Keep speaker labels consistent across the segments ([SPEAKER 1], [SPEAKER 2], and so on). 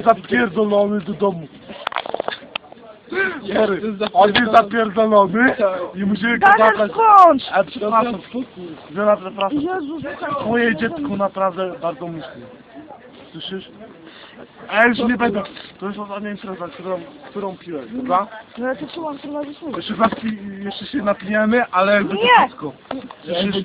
[SPEAKER 1] zapierdolony do domu. On jest zapierdolony i musimy go
[SPEAKER 2] Daniel,
[SPEAKER 1] zabrać.
[SPEAKER 2] skończ!
[SPEAKER 1] Ale przepraszam, Żona, przepraszam.
[SPEAKER 2] Jezus,
[SPEAKER 1] Twoje dziecko naprawdę bardzo myśli. Słyszysz? A ja już nie będę. To jest ostatnia impreza, którą piłeś, dobra?
[SPEAKER 2] no ja to czułam, co masz słuchać.
[SPEAKER 1] Jeszcze się napijemy, ale jakby to
[SPEAKER 2] Nie!
[SPEAKER 1] wszystko. Słyszysz?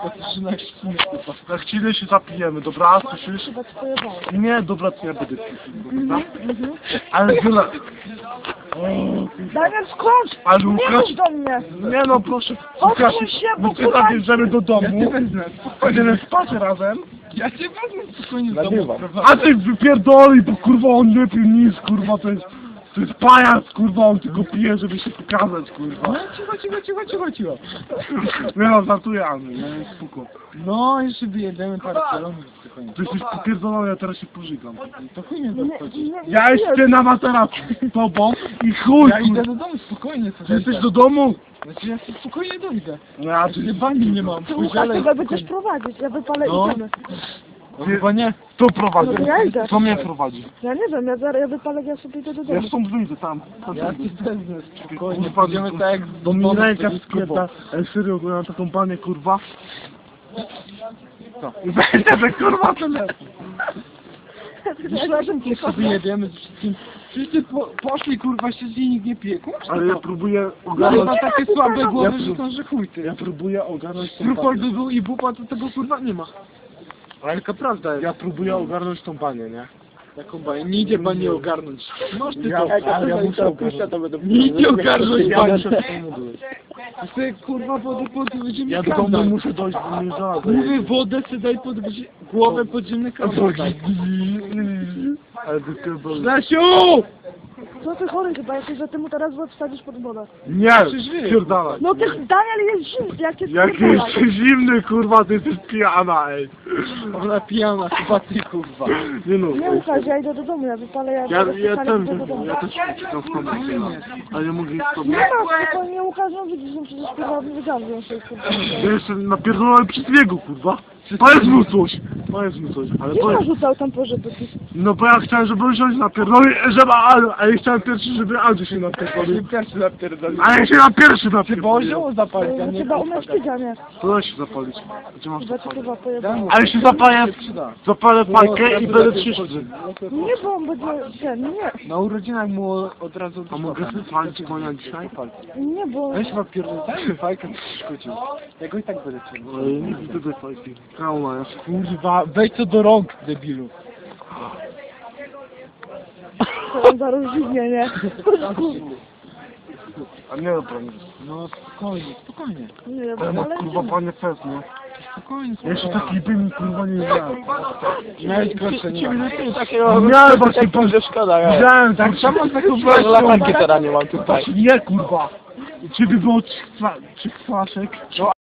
[SPEAKER 1] Na chwilę się zapijemy, dobra? Słyszysz?
[SPEAKER 2] Chyba ci pojebało.
[SPEAKER 1] Nie, dobra, to ja będę pił, dobra? Ale Żona...
[SPEAKER 2] Daniel, skończ!
[SPEAKER 1] Ale
[SPEAKER 2] Nie
[SPEAKER 1] Łukasz...
[SPEAKER 2] chodź do mnie!
[SPEAKER 1] Nie no, proszę.
[SPEAKER 2] Odsuń się, bo
[SPEAKER 1] my cię
[SPEAKER 2] kurwa-
[SPEAKER 1] zabierzemy do domu. Będziemy spać razem.
[SPEAKER 3] Ja cię wezmę spokojnie z domu.
[SPEAKER 1] A ty wypierdoli, bo kurwa on nie pił nic, kurwa, to jest pajac, kurwa, on tylko pije, żeby się pokazać, kurwa.
[SPEAKER 3] No, cicho.
[SPEAKER 1] Nie no, żartuję, Andrzej, nie, spoko.
[SPEAKER 3] No, jeszcze wyjedziemy parę kilometrów spokojnie.
[SPEAKER 1] Ty jesteś popierdolony, ja teraz się pożygam.
[SPEAKER 3] To chuj mnie zaskoczy.
[SPEAKER 1] Ja śpię na materacu z tobą i chuj,
[SPEAKER 3] Ja idę
[SPEAKER 1] kurwa.
[SPEAKER 3] do domu spokojnie.
[SPEAKER 1] Ty jesteś do domu?
[SPEAKER 3] Znaczy ja się spokojnie dojdę.
[SPEAKER 1] No ja
[SPEAKER 3] Czy bani nie mam?
[SPEAKER 2] Ty Łukasz,
[SPEAKER 3] Pójdziemy.
[SPEAKER 2] chyba będziesz prowadzić, ja wypalę
[SPEAKER 3] No.
[SPEAKER 2] i idziemy.
[SPEAKER 3] No chyba nie.
[SPEAKER 1] Kto prowadzi?
[SPEAKER 2] No ja idę.
[SPEAKER 1] Kto mnie prowadzi?
[SPEAKER 2] Ja nie wiem, ja wypalę, ja sobie idę do
[SPEAKER 1] Ja
[SPEAKER 2] domu.
[SPEAKER 1] stąd wyjdę tam.
[SPEAKER 3] Ja cię wezmę spokojnie.
[SPEAKER 1] Kurwa,
[SPEAKER 3] Pójdziemy tak jak
[SPEAKER 1] do mnie ręka
[SPEAKER 3] z
[SPEAKER 1] skieta. Serio, bo ja mam taką panię, kurwa. Co? Będzie, kurwa, telefon.
[SPEAKER 3] Razem tylko wyjedziemy z wszystkim. Wszyscy poszli kurwa się z niej nikt nie piekł.
[SPEAKER 1] Ale ja próbuję
[SPEAKER 3] No
[SPEAKER 1] ogarnąć...
[SPEAKER 3] chyba takie słabe głowy,
[SPEAKER 1] Ja
[SPEAKER 3] że są, że chuj ty.
[SPEAKER 1] Ja próbuję ogarnąć tą
[SPEAKER 3] Rupol
[SPEAKER 1] panię.
[SPEAKER 3] by był i bupa, to tego kurwa nie ma. Ale taka prawda jest.
[SPEAKER 1] Ja próbuję ogarnąć tą panię, nie?
[SPEAKER 3] Taką baję. Nie idzie pan nie ogarnąć. Masz ty
[SPEAKER 1] Ja,
[SPEAKER 3] to.
[SPEAKER 1] ale ja muszę ogarnąć.
[SPEAKER 3] Nie idzie ogarnąć
[SPEAKER 1] Ja
[SPEAKER 3] pani.
[SPEAKER 1] muszę do domu dojść.
[SPEAKER 3] Ty kurwa pod będziemy
[SPEAKER 1] Ja do domu muszę dojść, bo mnie żona
[SPEAKER 3] Mówię wodę sobie daj pod głowę podziemny kawałek.
[SPEAKER 1] Ale ty pierdolę.
[SPEAKER 3] Stasiu!
[SPEAKER 2] Co ty chory chyba, jakoś, że ty mu teraz łeb wsadzisz pod wodę.
[SPEAKER 1] Nie, pierdalaj.
[SPEAKER 2] No ty, Daniel jest zimny, jak jest
[SPEAKER 1] Jak jesteś zimny, kurwa, ty jesteś pijana, ej.
[SPEAKER 3] Ona pijana, chyba ty kurwa.
[SPEAKER 1] Nie no.
[SPEAKER 2] Nie Łukasz, ja idę do domu, ja wypalę,
[SPEAKER 1] Ja
[SPEAKER 2] wypalę,
[SPEAKER 1] też
[SPEAKER 2] idę do domu.
[SPEAKER 1] uciekam z tobą, ale nie mogę iść z tobą.
[SPEAKER 2] Nie ma, spokojnie Łukasz, no widzisz, że przecież kurwa wygarwią się, kurwa.
[SPEAKER 1] Ja jestem napierdolony przez niego, kurwa. Powiedz mu coś, ale
[SPEAKER 2] Nie
[SPEAKER 1] powiedz.
[SPEAKER 2] narzucał tam pożytki.
[SPEAKER 1] No bo ja chciałem, żeby on się napierdolił, ale ja chciałem pierwszy, żeby Andrzej się napierdolił.
[SPEAKER 3] Pierwszy napierdolę.
[SPEAKER 1] A ja się na pierwszy
[SPEAKER 3] Bo
[SPEAKER 1] napierdolił.
[SPEAKER 3] zioło zapalić, a nie
[SPEAKER 2] Chyba umiesz tydzia, nie?
[SPEAKER 1] To da się zapalić. Gdzie masz
[SPEAKER 2] Chyba
[SPEAKER 1] to
[SPEAKER 2] cię
[SPEAKER 1] palić?
[SPEAKER 2] chyba pojebało.
[SPEAKER 1] Ale się zapalę fajkę i będę trzeszczy.
[SPEAKER 2] Nie, bo on będzie, nie.
[SPEAKER 3] Na urodzinach mu od razu
[SPEAKER 1] A mogę sobie palić konia dzisiaj?
[SPEAKER 2] Nie, bo...
[SPEAKER 3] Weź ma pierdolę, fajkę przeszkodził. Ja go i tak będę ciągnął.
[SPEAKER 1] Ale nie widzę tej fajki. Trauma jest.
[SPEAKER 3] Kurwa, wejdź to do rąk, debilu.
[SPEAKER 2] To on zaraz zimnie, nie?
[SPEAKER 1] A nie dobra, nie.
[SPEAKER 3] No spokojnie.
[SPEAKER 2] Nie,
[SPEAKER 1] Ale ma
[SPEAKER 2] ale
[SPEAKER 1] kurwa panie fest, nie?
[SPEAKER 3] Spokojnie.
[SPEAKER 1] Ja jeszcze taki bym kurwa nie miałem.
[SPEAKER 3] Miałeś gorsze, nie ma.
[SPEAKER 1] Miałem właśnie pan
[SPEAKER 4] szkoda, ja.
[SPEAKER 1] Widziałem tak samo z taką
[SPEAKER 4] Latarki teraz nie mam tutaj.
[SPEAKER 1] Nie kurwa. Ciebie było trzech flaszek.